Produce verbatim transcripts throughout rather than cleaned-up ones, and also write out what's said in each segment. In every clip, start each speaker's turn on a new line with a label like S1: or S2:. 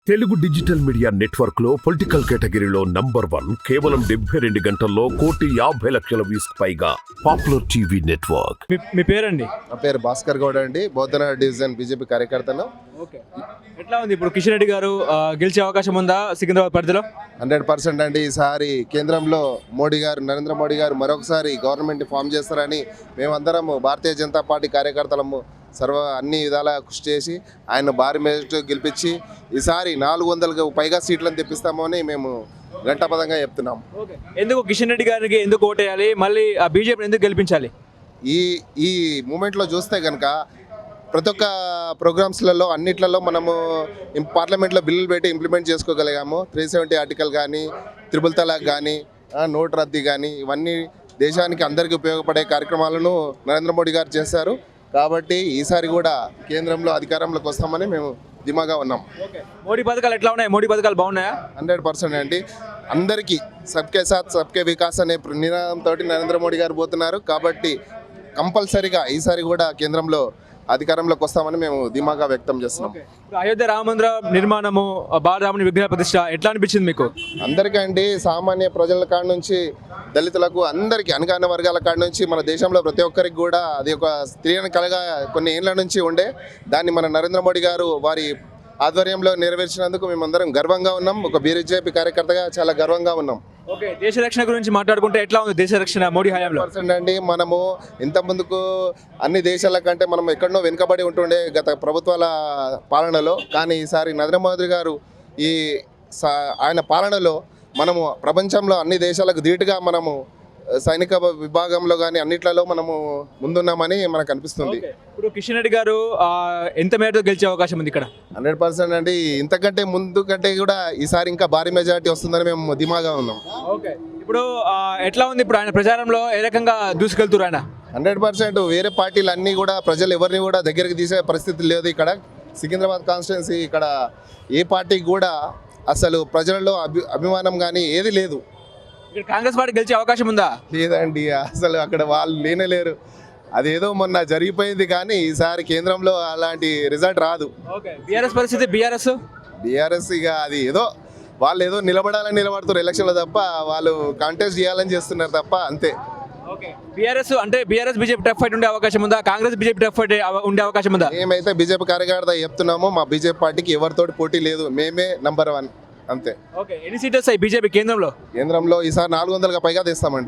S1: Telugu digital media network లో political కేటగిరీలో number one కేవలం డెబ్బై రెండు గంటల్లో కోటి యాభై లక్షల వ్యూస్ పైగా పాపులర్ టీవీ నెట్వర్క్.
S2: మీ- మీ పేరండి?
S3: నా పేరు భాస్కర్ గౌడ్ అండి. బౌద్ధనగర్ డివిజన్ బీజేపీ కార్యకర్తను.
S2: ఓకే, ఎట్లా ఉంది ఇప్పుడు కిషన్ రెడ్డి గారు ఆ, గెలిచే అవకాశం ఉందా సికింద్రాబాద్ పరిధిలో?
S3: హండ్రెడ్ పర్సెంట్ అండి. ఈసారి కేంద్రంలో మోడీ గారు నరేంద్ర మోడీ గారు మరొకసారి గవర్నమెంట్ ఫామ్ చేస్తారని మేమందరము భారతీయ జనతా పార్టీ కార్యకర్తలము సర్వ అన్ని విధాల కృషి చేసి ఆయన భారీ మెజార్టీతో గెలిపించి ఈసారి నాలుగు వందలకు పైగా సీట్లను తెప్పిస్తామని మేము ఘంటాపదంగా చెప్తున్నాం.
S2: ఎందుకు కిషన్ రెడ్డి గారికి ఎందుకు ఓటేయాలి, మళ్ళీ ఆ బీజేపీని ఎందుకు గెలిపించాలి?
S3: ఈ ఈ మూమెంట్లో చూస్తే కనుక ప్రతి ఒక్క ప్రోగ్రామ్స్లలో అన్నిట్లలో మనము ఇం- పార్లమెంట్లో బిల్లులు పెట్టి ఇంప్లిమెంట్ చేసుకోగలిగాము. త్రీ సెవెంటీ ఆర్టికల్ కానీ, త్రిబుల్ తలాక్ కానీ, ఆ, నోట్ రద్దీ కానీ, ఇవన్నీ దేశానికి అందరికీ ఉపయోగపడే కార్యక్రమాలను నరేంద్ర మోడీ గారు చేశారు. కాబట్టి ఈసారి కూడా కేంద్రంలో అధికారంలోకి వస్తామని మేము ధీమాగా ఉన్నాం.
S2: మోడీ పథకాలు ఎట్లా ఉన్నాయి? మోడీ పథకాలు బాగున్నాయా?
S3: హండ్రెడ్ పర్సెంట్ అండి. అందరికీ సబ్కే సాత్ సబ్కే వికాస్ అనే నినాదంతో నరేంద్ర మోడీ గారు పోతున్నారు. కాబట్టి కంపల్సరీగా ఈసారి కూడా కేంద్రంలో అధికారంలోకి వస్తామని మేము ధీమాగా వ్యక్తం చేస్తున్నాం.
S2: ఇప్పుడు అయోధ్య రామ మందిర నిర్మాణము, ఆ బాలరాముని విగ్రహ ప్రతిష్ట ఎట్లా అనిపించింది మీకు?
S3: అందరికండి, సామాన్య ప్రజల కాడ నుంచి దళితులకు అందరికీ అనగాన వర్గాల కాడ నుంచి మన దేశంలో ప్రతి ఒక్కరికి కూడా అది ఒక స్త్రీని కలగా కొన్ని ఏళ్ల నుంచి ఉండే దాన్ని మన నరేంద్ర మోడీ గారు వారి ఆధ్వర్యంలో నెరవేర్చినందుకు మేమందరం గర్వంగా ఉన్నాం. ఒక బీజేపీ కార్యకర్తగా చాలా గర్వంగా ఉన్నాం.
S2: ఓకే, దేశ రక్షణ గురించి మాట్లాడుకుంటే ఎట్లా ఉంది దేశ రక్షణ మోడీ హయాంలో?
S3: పర్సెంట్ అండి. మనము ఇంత ముందుకు అన్ని దేశాల కంటే మనం ఎక్కడనో వెనుకబడి ఉంటుండే గత ప్రభుత్వాల పాలనలో. కానీ ఈసారి నరేంద్ర మోదీ గారు ఈ సా- ఆయన పాలనలో మనము ప్రపంచంలో అన్ని దేశాలకు ధీటుగా మనము సైనిక విభాగంలో కానీ అన్నిట్లలో మనము ముందున్నామని మనకు అనిపిస్తుంది.
S2: ఇప్పుడు కిషన్ రెడ్డి గారు ఆ, ఎంత మేరతో గెలిచే అవకాశం ఉంది ఇక్కడ?
S3: హండ్రెడ్ పర్సెంట్ అండి. ఇంతకంటే ముందు కంటే కూడా ఈసారి ఇంకా భారీ మెజారిటీ వస్తుందని మేము ధీమాగా ఉన్నాం.
S2: ఓకే, ఇప్పుడు ఆ, ఎట్లా ఉంది ఇప్పుడు ఆయన ప్రచారంలో ఏ రకంగా దూసుకెళ్తున్నారు ఆయన?
S3: హండ్రెడ్ పర్సెంట్ వేరే పార్టీలు అన్నీ కూడా ప్రజలు ఎవరిని కూడా దగ్గరికి తీసే పరిస్థితి లేదు. ఇక్కడ సికింద్రాబాద్ కాన్స్టిట్యున్సీ ఇక్కడ ఏ పార్టీకి కూడా అసలు ప్రజలలో అభి అభిమానం కానీ ఏది లేదు.
S2: ఇక్కడ కాంగ్రెస్ పార్టీ గెలిచే అవకాశం ఉందా?
S3: లేదండి, అసలు అక్కడ వాళ్ళు లేనే లేరు. అదేదో మొన్న జరిగిపోయింది కానీ ఈసారి కేంద్రంలో అలాంటి రిజల్ట్ రాదు.
S2: ఓకే, బీఆర్ఎస్ పరిస్థితి? బీఆర్ఎస్
S3: బీఆర్ఎస్ ఇక అది ఏదో వాళ్ళు ఏదో నిలబడాలని నిలబడుతారు ఎలక్షన్లో తప్ప, వాళ్ళు కాంటెస్ట్ చేయాలని చేస్తున్నారు తప్ప, అంతే.
S2: ఓకే, బీఆర్ఎస్ అంటే బీఆర్ఎస్ బీజేపీ టఫ్ ఫైట్ ఉండే అవకాశం ఉందా? కాంగ్రెస్ బీజేపీ టఫ్ ఫైట్ ఉండే అవకాశం ఉందా?
S3: మేమైతే బీజేపీ కార్యకర్త చెప్తున్నాము, మా బీజేపీ పార్టీకి ఎవరితోటి పోటీ లేదు, మేమే నంబర్ వన్, అంతే.
S2: ఓకే, ఎన్ని సీట్లు వస్తాయి బీజేపీ కేంద్రంలో?
S3: కేంద్రంలో ఈసారి నాలుగు వందలకు పైగా తెస్తామండి.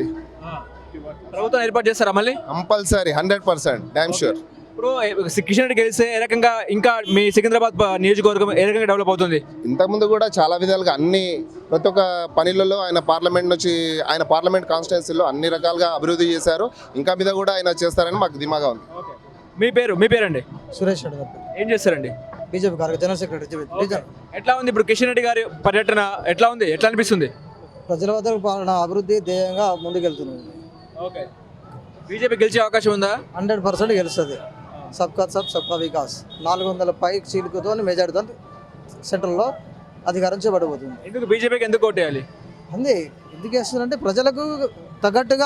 S2: ప్రభుత్వం ఏర్పాటు చేస్తారా మళ్ళీ?
S3: Compulsory, hundred percent damn sure.
S2: ఇప్పుడు కిషన్ రెడ్డి గెలిస్తే ఏ రకంగా ఇంకా మీ సికింద్రాబాద్ ప- నియోజకవర్గం ఏ రకంగా డెవలప్ అవుతుంది?
S3: ఇంతకుముందు కూడా చాలా విధాలుగా అన్ని ప్రతి ఒక్క పనులలో ఆయన పార్లమెంట్ నుంచి ఆయన పార్లమెంట్ కాన్స్టిట్యున్సీలో అన్ని రకాలుగా అభివృద్ధి చేశారు. ఇంకా మీద కూడా ఆయన చేస్తారని మాకు ధీమాగా ఉంది.
S2: మీ పేరు మీ పేరండి?
S4: సురేష్ రెడ్డి గారు
S2: ఏం చేస్తారండి?
S4: బీజేపీ కార్య జనరల్ సెక్రటరీ రీజన్.
S2: ఎట్లా ఉంది ఇప్పుడు కిషన్ రెడ్డి గారి పర్యటన ఎట్లా ఉంది? ఎట్లా అనిపిస్తుంది?
S4: ప్రజల వద్దకు పాలన అభివృద్ధి ధ్యేయంగా ముందుకెళ్తున్నాం.
S2: ఓకే, బీజేపీ గెలిచే అవకాశం ఉందా?
S4: హండ్రెడ్ పర్సెంట్ గెలుస్తుంది. సబ్కా సబ్ సబ్కా వికాస్ నాలుగు వందల పై సీట్లతో మెజార్టీతో సెంట్రల్లో అధికారం చేపట్టబోతుంది.
S2: ఎందుకు బీజేపీకి ఎందుకు ఓటేయాలి?
S4: అంతే ఎందుకు వేస్తుందంటే ప్రజలకు తగ్గట్టుగా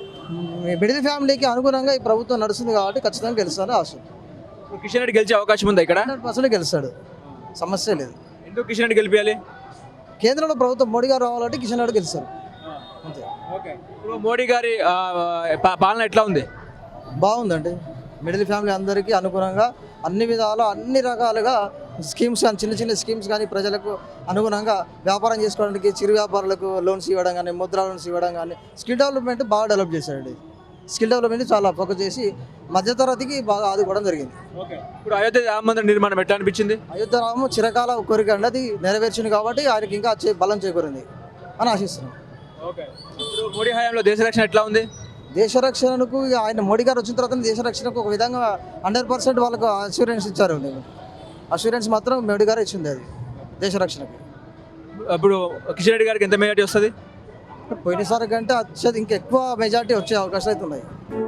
S4: మిడిల్ ఫ్యామిలీకి అనుగుణంగా ఈ ప్రభుత్వం నడుస్తుంది కాబట్టి ఖచ్చితంగా గెలుస్తారని ఆశ.
S2: ఇప్పుడు కిషన్ రెడ్డి గెలిచే అవకాశం ఉందా ఇక్కడ?
S4: హండ్రెడ్ పర్సెంట్ గెలుస్తాడు, సమస్య లేదు.
S2: ఎందుకు కిషన్ రెడ్డి గెలిపించాలి?
S4: కేంద్రంలో ప్రభుత్వం మోడీ గారు రావాలంటే కిషన్ రెడ్డి గెలుస్తారు, అంతే.
S2: ఓకే, ఇప్పుడు మోడీ గారి ఆ, పా- పాలన ఎట్లా ఉంది?
S4: బాగుందండి. మిడిల్ ఫ్యామిలీ అందరికీ అనుగుణంగా అన్ని విధాలు అన్ని రకాలుగా స్కీమ్స్ కానీ చిన్న చిన్న స్కీమ్స్ కానీ ప్రజలకు అనుగుణంగా వ్యాపారం చేసుకోవడానికి చిరు వ్యాపారులకు లోన్స్ ఇవ్వడం కానీ ముద్రా లోన్స్ ఇవ్వడం కానీ స్కిల్ డెవలప్మెంట్ బాగా డెవలప్ చేశారండి. స్కిల్ డెవలప్మెంట్ చాలా ఫోకస్ చేసి మధ్యతరగతికి బాగా ఆదుకోవడం జరిగింది.
S2: ఓకే, ఇప్పుడు అయోధ్య రామ మందిర నిర్మాణం ఎట్లా అనిపించింది?
S4: అయోధ్య రాము చిరకాల కోరిక అండి, అది నెరవేర్చింది కాబట్టి ఆయనకి ఇంకా చే- బలం చేకూరింది అని ఆశిస్తున్నాం.
S2: ఓకే, ఇప్పుడు మోడీ హయాంలో దేశ రక్షణ ఎట్లా ఉంది?
S4: దేశ రక్షణకు ఇక ఆయన మోడీ గారు వచ్చిన తర్వాత దేశ రక్షణకు ఒక విధంగా హండ్రెడ్ పర్సెంట్ వాళ్ళకు అష్యూరెన్స్ ఇచ్చారు. అష్యూరెన్స్ మాత్రం మోడీ గారు ఇచ్చింది అది దేశ రక్షణకి.
S2: ఇప్పుడు కిషన్ రెడ్డి గారికి ఎంత మెజార్టీ వస్తుంది?
S4: పోయినసారి కంటే అత్యధిక ఇంకెక్కువ మెజార్టీ వచ్చే అవకాశాలు అయితే ఉన్నాయి.